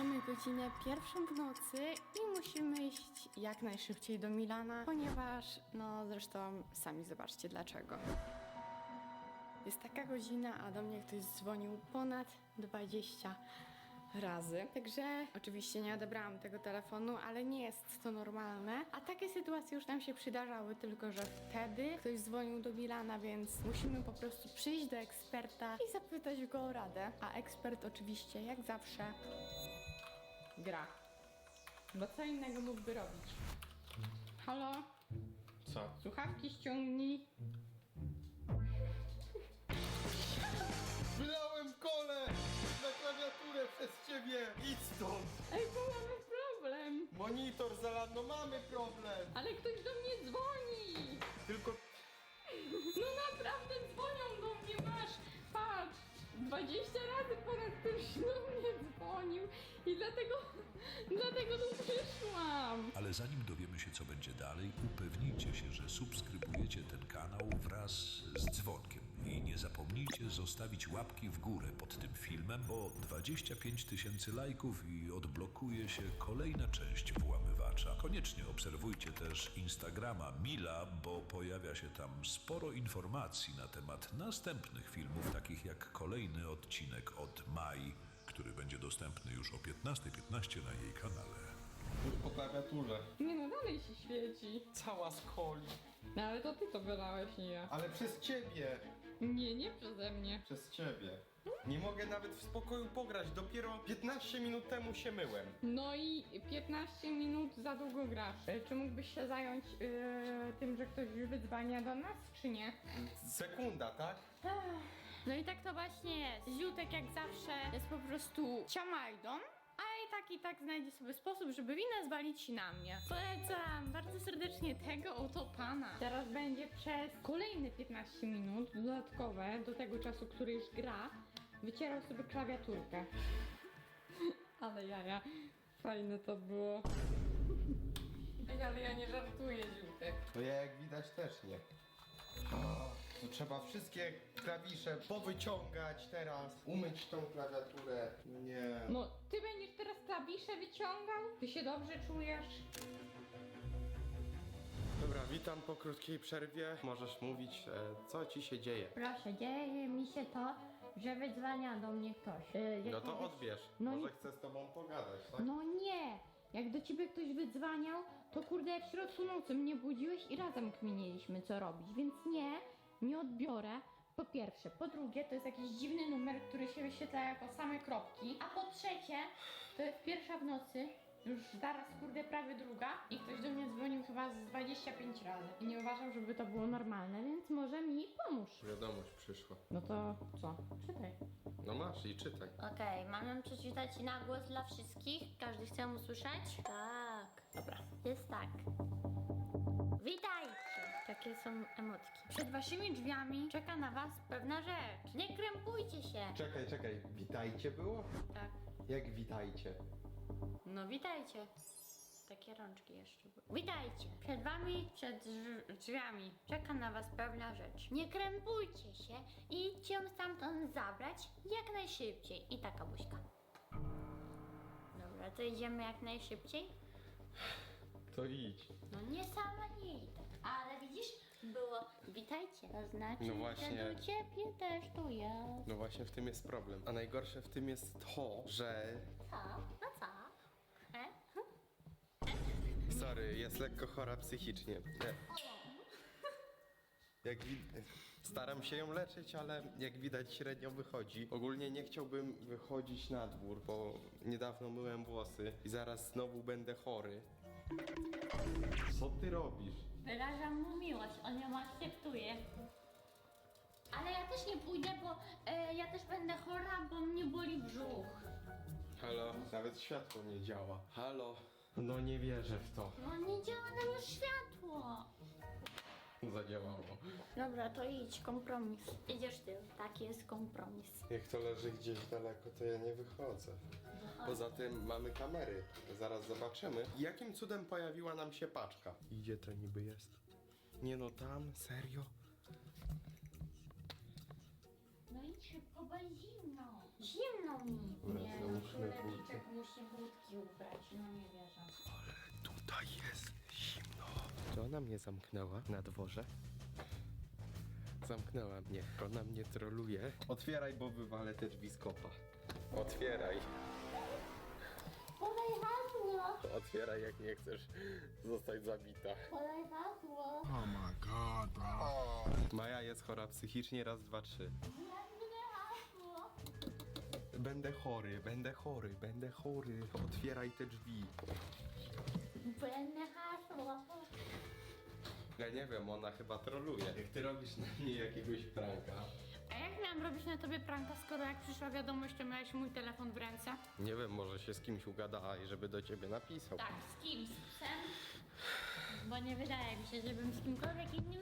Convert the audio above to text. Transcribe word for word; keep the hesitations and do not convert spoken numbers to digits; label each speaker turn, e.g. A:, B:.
A: Mamy godzinę pierwszą w nocy i musimy iść jak najszybciej do Milana, ponieważ, no zresztą sami zobaczcie dlaczego. Jest taka godzina, a do mnie ktoś dzwonił ponad dwadzieścia razy. Także oczywiście nie odebrałam tego telefonu, ale nie jest to normalne. A takie sytuacje już nam się przydarzały, tylko że wtedy ktoś dzwonił do Milana, więc musimy po prostu przyjść do eksperta i zapytać go o radę. A ekspert oczywiście, jak zawsze, gra. Bo co innego mógłby robić? Halo?
B: Co?
A: Słuchawki ściągnij.
B: Wylałem kole na klawiaturę przez ciebie! Idź stąd!
A: Ej, bo mamy problem.
B: Monitor zalano, mamy problem!
A: Ale ktoś do mnie dzwoni.
B: Tylko
A: No naprawdę dzwonią do mnie, masz, patrz, dwadzieścia razy ponad ktoś do mnie dzwonił i dlatego, dlatego tu przyszłam.
C: Ale zanim dowiemy się, co będzie dalej, upewnijcie się, że subskrybujecie ten kanał wraz z dzwonkiem. I nie zapomnijcie zostawić łapki w górę pod tym filmem, bo dwadzieścia pięć tysięcy lajków i odblokuje się kolejna część Włamywacza. Koniecznie obserwujcie też Instagrama Mila, bo pojawia się tam sporo informacji na temat następnych filmów, takich jak kolejny odcinek od Mai, który będzie dostępny już o piętnasta piętnaście na jej kanale.
B: już po klawiaturze.
A: Nie no, dalej się świeci.
B: Cała z coli.
A: No ale to ty to wylałeś, nie ja.
B: Ale przez ciebie!
A: Nie, nie przeze mnie.
B: Przez ciebie. Nie mogę nawet w spokoju pograć, dopiero piętnaście minut temu się myłem.
A: No i piętnaście minut za długo grasz. E, Czy mógłbyś się zająć yy, tym, że ktoś wydzwania do nas, czy nie?
B: Sekunda, tak?
A: No i tak to właśnie jest. Ziutek jak zawsze jest po prostu ciamajdą, a i tak i tak znajdzie sobie sposób, żeby winę zwalić na mnie. Polecam bardzo serdecznie tego oto pana. Teraz będzie przez kolejne piętnaście minut dodatkowe do tego czasu, który już gra, wycierał sobie klawiaturkę. Ale jaja, fajne to było. Ej, ale ja nie żartuję, Ziutek.
B: To ja jak widać też nie. To trzeba wszystkie klawisze powyciągać teraz, umyć tą klawiaturę. Nie.
A: No, ty będziesz teraz klawisze wyciągał? Ty się dobrze czujesz?
B: Dobra, witam po krótkiej przerwie. Możesz mówić, e, co ci się dzieje.
D: Proszę, dzieje mi się to, że wydzwania do mnie ktoś. Yy,
B: No to
D: jakiegoś-
B: odbierz.
D: No
B: Może
D: i-
B: chcę z tobą pogadać, tak?
D: No nie! Jak do ciebie ktoś wydzwaniał, to kurde w środku nocy mnie budziłeś i razem kminiliśmy co robić, więc nie, nie odbiorę. Po pierwsze. Po drugie, to jest jakiś dziwny numer, który się wyświetla jako same kropki. A po trzecie, to jest pierwsza w nocy, już zaraz kurde prawie druga i ktoś do mnie dzwonił chyba z dwadzieścia pięć razy. I nie uważam, żeby to było normalne, więc może mi pomóż.
B: Wiadomość przyszła.
D: No to co? Czytaj.
B: No masz i czytaj.
E: Okej, mam ją przeczytać na głos dla wszystkich? Każdy chce ją usłyszeć? Tak. Dobra. Jest tak. Witajcie! Takie są emotki. Przed waszymi drzwiami czeka na was pewna rzecz. Nie krępujcie się!
B: Czekaj, czekaj. Witajcie było?
E: Tak.
B: Jak witajcie?
E: No witajcie. Takie rączki jeszcze były. Witajcie! Przed wami, przed drz- drzwiami czeka na was pewna rzecz. Nie krępujcie się i idźcie ją stamtąd zabrać jak najszybciej. I taka buźka. Dobra, to idziemy jak najszybciej.
B: To idź.
E: No nie sama nie idę. Ale widzisz, było witajcie. To znaczy,
B: No właśnie.
E: że do ciebie też tu jest.
B: No właśnie w tym jest problem. A najgorsze w tym jest to, że...
E: Co? No co? E?
B: Sorry, jest lekko chora psychicznie. Nie. Jak wi- Staram się ją leczyć, ale jak widać średnio wychodzi. Ogólnie nie chciałbym wychodzić na dwór, bo niedawno myłem włosy i zaraz znowu będę chory. Co ty robisz?
E: Wyrażam mu miłość, on ją akceptuje. Ale ja też nie pójdę, bo e, ja też będę chora, bo mnie boli brzuch.
B: Halo? Nawet światło nie działa. Halo? No nie wierzę w to.
E: No nie działa nam już światło.
B: Zadziałało.
E: Dobra, to idź, kompromis. Idziesz ty, taki jest kompromis.
B: Jak to leży gdzieś daleko, to ja nie wychodzę. Poza tym mamy kamery. Zaraz zobaczymy. Jakim cudem pojawiła nam się paczka? Gdzie to niby jest? Nie no, tam? Serio?
E: No No idź szybko, bo jest zimno. Zimno mi.
B: Dobra,
E: Nie,
B: załóżmy
E: no królewniczek
B: buty.
E: musi budki ubrać, no nie wierzę.
B: Tutaj jest zimno. Czy ona mnie zamknęła na dworze? Zamknęła mnie. Ona mnie troluje. Otwieraj, bo wywalę te drzwi z kopa. Otwieraj.
E: Podaj hasło,
B: Otwieraj, jak nie chcesz zostać zabita.
E: podaj hasło.
B: Maja jest chora psychicznie, raz, dwa, trzy.
E: hasło.
B: Będę chory, będę chory, będę chory. Otwieraj te drzwi.
E: Będę hasło.
B: Ja nie wiem, ona chyba troluje. Jak ty robisz na mnie jakiegoś pranka.
A: A jak miałam robić na tobie pranka, skoro jak przyszła wiadomość, to miałeś mój telefon w ręce?
B: Nie wiem, może się z kimś ugadała i żeby do ciebie napisał.
E: Tak, z kim? Z psem? Bo nie wydaje mi się, żebym z kimkolwiek innym